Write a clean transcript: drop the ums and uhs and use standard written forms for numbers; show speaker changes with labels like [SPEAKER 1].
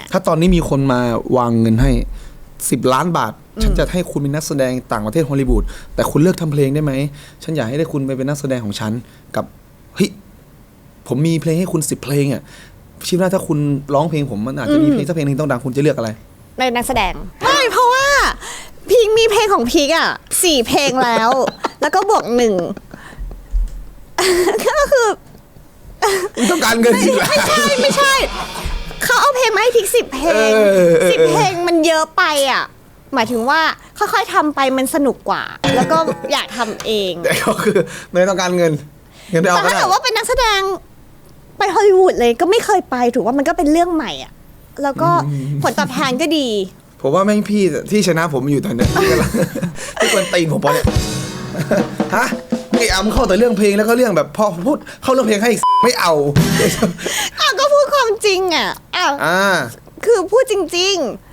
[SPEAKER 1] ถ้าตอนนี้มีคนมาวางเงินให้10 ล้านบาทฉันจะให้คุณเป็นนักแสดงต่างประเทศฮอลลีวูดแต่คุณเลือกทำเพลงได้ไหมฉันอยากให้ได้คุณไปเป็นนักแสดงของฉันกับเฮ้ยผมมีเพลงให้คุณ10 เพลงอ่ะคิดว่าถ้าคุณร้องเพลงผมมันอาจจะมีเพลงสักเพลงนึงต้องดังคุณจะเลือกอะไร
[SPEAKER 2] เป็นนักแสดงไม่เพราะว่าพีคมีเพลงของพีคอ่ะ4 เพลงแล้ว แล้วก็บวก1ก็คือ
[SPEAKER 1] ต้องการเงินจริง
[SPEAKER 2] ไม่ใช่เขาเอาเพลงมาให้พีค10 เพลง10 เพลงมันเยอะไปอ่ะหมายถึงว่าค่อยๆทำไปมันสนุกกว่าแล้วก็อยากทำเอง
[SPEAKER 1] แต่ก็คือไม่ต้องการเงินไปเอา
[SPEAKER 2] แต่ถ้าเกิดว่าเป็นนักแสดงไปฮอลลีวูดเลยก็ไม่เคยไปถือว่ามันก็เป็นเรื่องใหม่อ่ะแล้วก็ผลตอบแทนก็ดี
[SPEAKER 1] ผมว่าแม่งพี่ที่ชนะผมอยู่ตอนนี้ที่คนตีนผมปะเนี่ยฮะไอ้อ้ำเข้าแต่เรื่องเพลงแล้วก็เรื่องแบบพอพูดเข้าเรื่องเพลงให้ไม่เอา
[SPEAKER 2] ก็พูดความจริงอ่ะคือพูดจริงๆ